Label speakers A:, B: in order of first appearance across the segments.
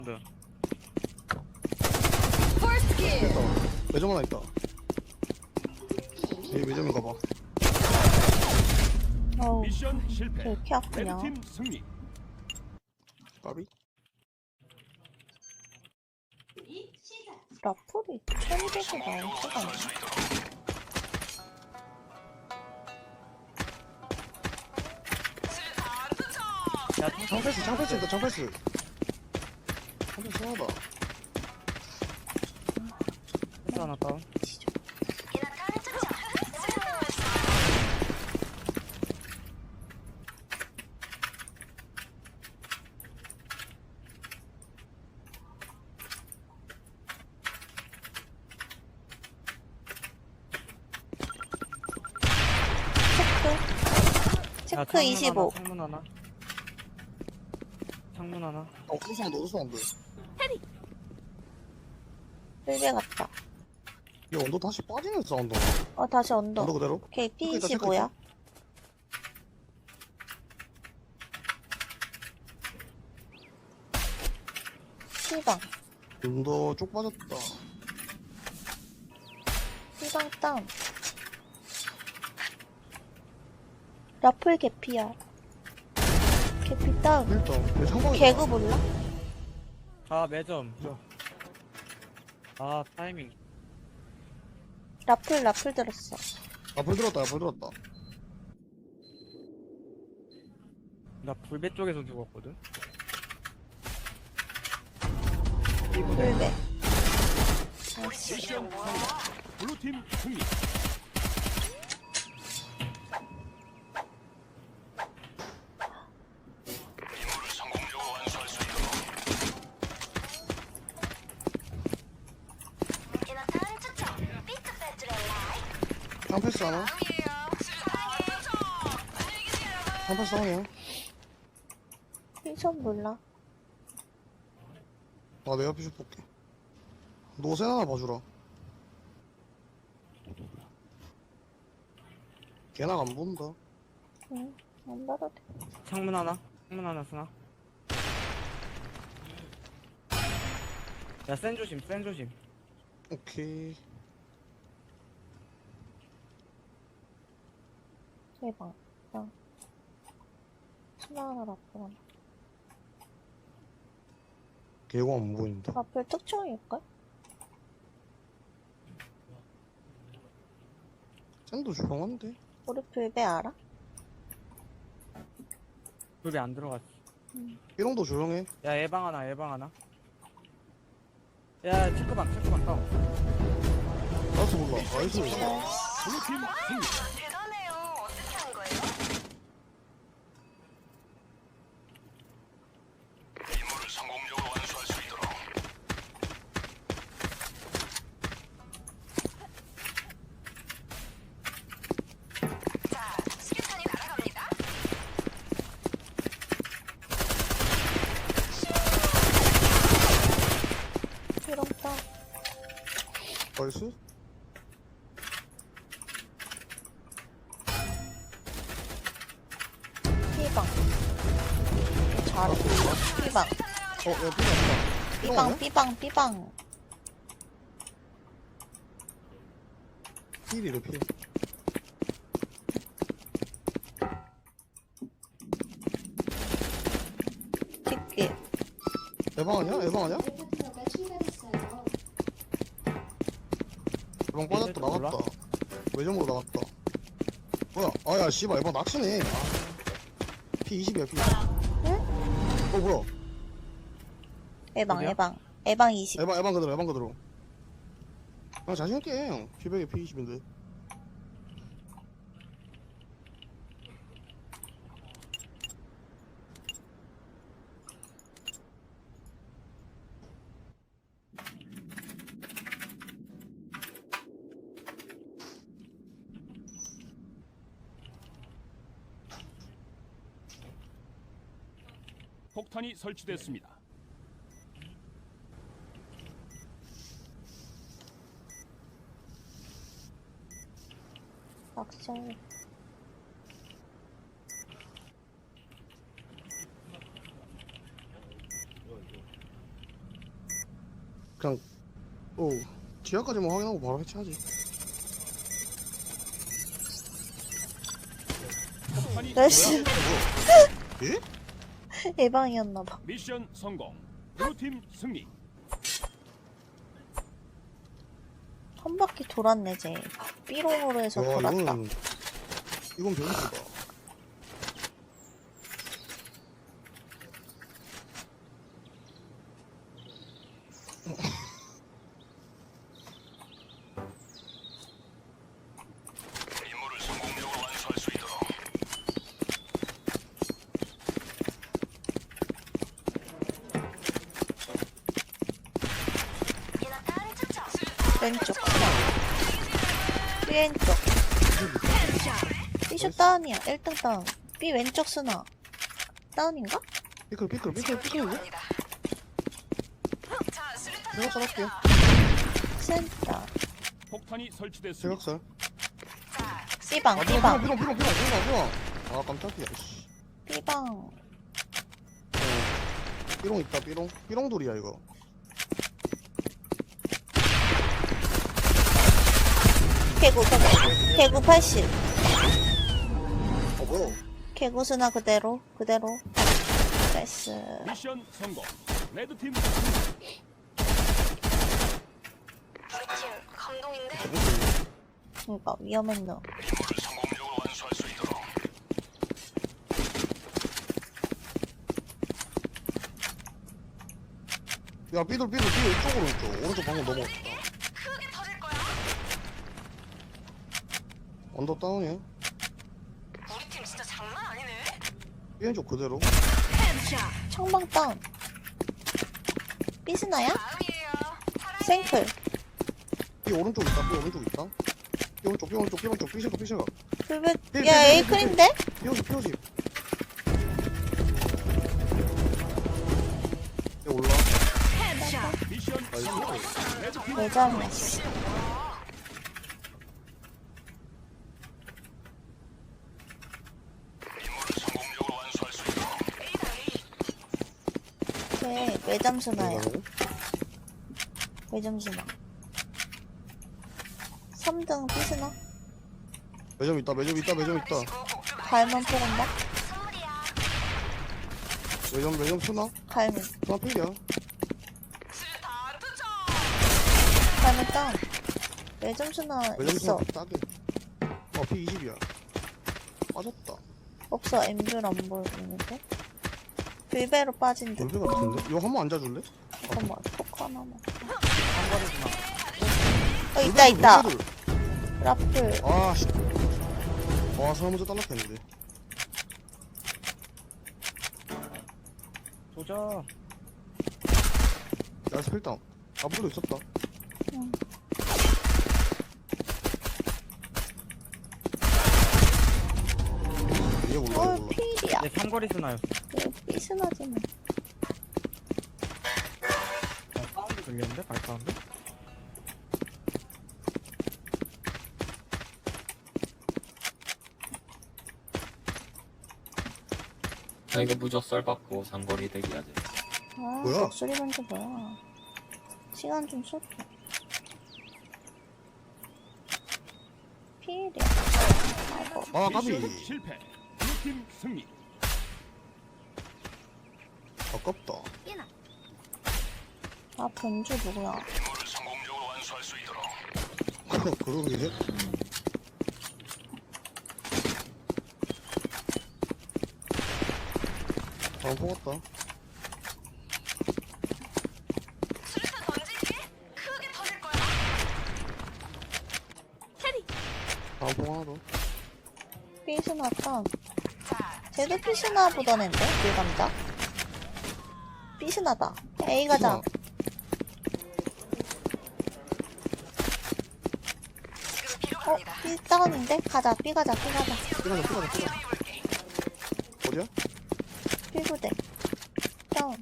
A: 네.
B: 있다. 매점 하나 있다. 여기 매점인가 봐.
C: 어우,
A: 미션 실패.
C: 왜 이렇게 아프냐.
A: 레드팀 승리.
B: 까비?
C: 라플이 1200이 나온 수가 없네.
A: 야,
B: 장패스 있다. 장패스 하나다.
A: 패스 하나 다운. 야,
C: 체크 25.
A: 창문 하나. 창문 하나.
B: 어디서 안 돼.
C: 끌배 갔다.
B: 야, 언더 다시 빠지는 사운드.
C: 다시 언더.
B: 언더 그대로?
C: 오케이,
B: 체크 있다,
C: P25야. C방.
B: 언더 쪽 빠졌다.
C: C방 다운. 라플 개피야. 개피 다운.
B: 일단 내 상방이
C: 개그 몰라?
A: 아, 매점. 아, 타이밍.
C: 라플 들었어.
B: 불 들었다.
A: 나 불배 쪽에서 죽었거든.
C: 불배.
A: 미션 성공. 블루팀 승리.
B: 장패스 하나. 장패스 하나야.
C: 핀션 몰라.
B: 내가 피셔 볼게. 노세 하나 봐주라. 걔나 안 본다.
C: 응, 안 받아도 돼.
A: 창문 하나. 창문 하나 쓰나? 야, 센 조심.
B: 오케이.
C: 대박. 하나 라플 하나.
B: 개고 안 보인다.
C: 라플 특종일걸?
B: 쟤도 조용한데.
C: 우리 불배 알아?
A: 불배 안 들어갔어.
B: 이런도 조용해.
A: 야, 예방 하나. 야, 체크방 다운.
B: 나도 몰라. 나이스.
A: 블루팀 승리.
D: 대단해요. 어떻게 한 거예요? 자, 수류탄이 날아갑니다.
C: 이런다.
B: 나이스.
C: P방. 잘해. P방.
B: 야, 삐졌다.
C: B방.
B: 필이래, 필.
C: 뒷길.
B: 에방 아니야? 에방 빠졌다, 나갔다. 외점으로 나갔다. 뭐야? 야, 씨발, 에방 낚시네. P20이야, P.
C: 응?
B: 뭐야?
A: 어디야?
C: 에방 20.
B: 에방 그대로. 자신있게 해, 형. 피백에 P20인데.
A: 폭탄이 설치됐습니다.
C: 낚시할.
B: 그냥 지하까지만 확인하고 바로 해체하지.
A: 폭탄이
C: 나이스.
B: 예?
C: 예방이었나봐.
A: 미션 성공. 블루팀 승리.
C: 한 바퀴 돌았네, 쟤. 삐롱으로 해서
B: 와,
C: 돌았다.
B: 이건 변수다.
D: 이나탄 투척.
C: 왼쪽. B 왼쪽. B쇼 다운이야. 1등 다운. B 왼쪽 스나. 다운인가?
B: 삐클.
D: 갑니다. 자, 수류탄
B: 제가 썰을게요.
C: 센터.
A: 폭탄이 설치됐습니다.
B: 제각살.
D: 자,
C: B방,
B: 아,
C: B방.
B: 삐롱. 아, 깜짝이야, 씨.
C: B방.
B: 삐롱 있다, 삐롱 돌이야, 이거.
C: 개구 80.
B: 뭐야?
C: 개구 스나 그대로. 나이스.
A: 미션 성공. 레드팀
D: 우리 팀 감동인데?
C: 그니까 위험했노.
B: 야, 삐돌, 이쪽으로 있죠. 오른쪽 방금 넘어갔다.
D: 크게 터질 거야.
B: 언더 다운이야.
D: 우리 팀 진짜 장난 아니네.
B: 삐왼쪽 그대로.
C: 청방 다운. B 스나야?
D: 다음이에요. 사랑해.
C: 생클.
B: 삐 오른쪽 있다, 삐 오른쪽, 삐셔가.
C: 불백.
B: 삐,
C: 야,
B: 삐, 삐,
C: 에이클인데?
B: 피오십. 얘 올라.
A: 미션 성공. 레드팀
C: 왜 잘했어? 쟤 매점 스나야. 매점 스나. 3등 B 스나.
B: 매점 있다.
C: 갈면 포근다.
D: 선물이야.
B: 매점 수나?
C: 갈면.
B: 수나 필이야.
D: 수류탄 투척.
C: 갈면 다운. 매점 스나
B: 매점
C: 있어.
B: 수나 싸게. P20이야. 빠졌다.
C: 없어. 엠뷰를 안 보여주는데. 불배로 빠진 듯.
B: 돌배 같은데? 이거 한 번 앉아줄래?
C: 잠깐만. 포크 하나만.
A: 한거리구나.
C: 있다.
B: 돌배들.
C: 라플.
B: 아, 씨. 와, 사람 먼저 딸락했는데.
A: 도전.
B: 야, 스펠다운. 앞으로도 있었다.
C: 응.
B: 얘 몰라.
C: 필이야.
A: 네, 삼거리 스나였어.
C: 삐스나지네.
A: 사운드 들리는데? 발사운드?
E: 나 이거 무적 썰 받고 장거리 대기해야 돼.
C: 아,
B: 뭐야?
C: 목소리 먼저 뭐야. 시간 좀 쏠게. 필이야. 아이고.
B: 아, 까비.
A: 미션 실패. 블루팀 승리.
B: 아깝다.
C: 아, 변주 누구야?
B: 그러게. 아, 뽑았다.
D: 수류탄 던지기? 크게 터질 거야.
B: 다음 포 하나 더.
C: 삐스나 다운.
D: 자,
C: 쟤도 삐스나 보던 앤데? 밀감자. 삐스나다. A 가자.
D: 지금 비로
C: 어?
D: 갑니다.
C: B 다운인데? 가자. B 가자.
B: 삐가자. 어디야?
C: B 부대. 다운.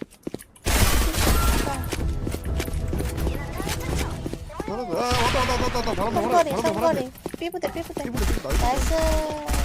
C: 다운.
B: 야, 왔다. 바람
C: 상거리. B 부대.
B: 나이스.
C: 나이스.